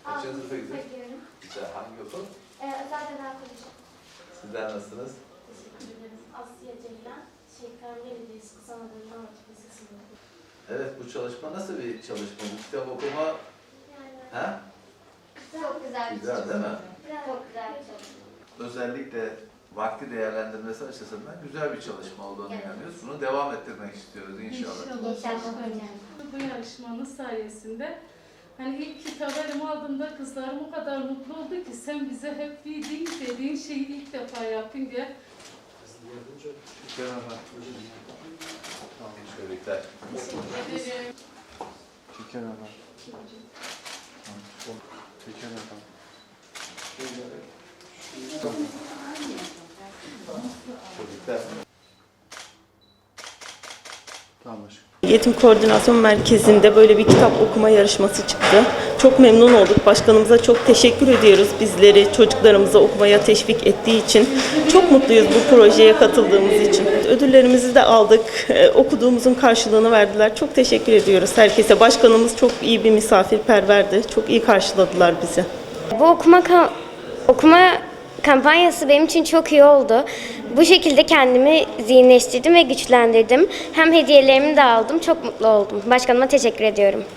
Kaçıncı sınıfa gidiyorsun? gidiyorum. Güzel. Hangi okul? Özel tedavi koleji. Sizler nasılsınız? Teşekkür ederim. Asya Ceylan, Şehirler Belediyesi Kısa Anadolu Anadolu Lisesi'nde. Evet, bu çalışma nasıl bir çalışma? Bu kitap okuma, Yani he? çok güzel bir Güzel değil mi? Çok güzel bir çalışma. Özellikle vakti değerlendirmesi açısından güzel bir çalışma olduğunu inanıyoruz. Bunu devam ettirmek istiyoruz inşallah. İnşallah hocam. Bu yarışmanın sayesinde hani ilk kitabı elime aldığımda kızlarım o kadar mutlu oldu ki sen bize hep dediğin şeyi ilk defa yaptın diye. Teşekkürler. Teşekkür ederim. Teker adam. Teker adam. Çocuklar. Tamam aşkım. Eğitim Koordinasyon Merkezi'nde böyle bir kitap okuma yarışması çıktı. Çok memnun olduk. Başkanımıza çok teşekkür ediyoruz. Bizleri, çocuklarımızı okumaya teşvik ettiği için. Çok mutluyuz bu projeye katıldığımız için. Ödüllerimizi de aldık. Okuduğumuzun karşılığını verdiler. Çok teşekkür ediyoruz herkese. Başkanımız çok iyi bir misafirperverdi. Çok iyi karşıladılar bizi. Bu okuma kampanyası benim için çok iyi oldu. Bu şekilde kendimi zihinleştirdim ve güçlendirdim. Hem hediyelerimi de aldım. Çok mutlu oldum. Başkanıma teşekkür ediyorum.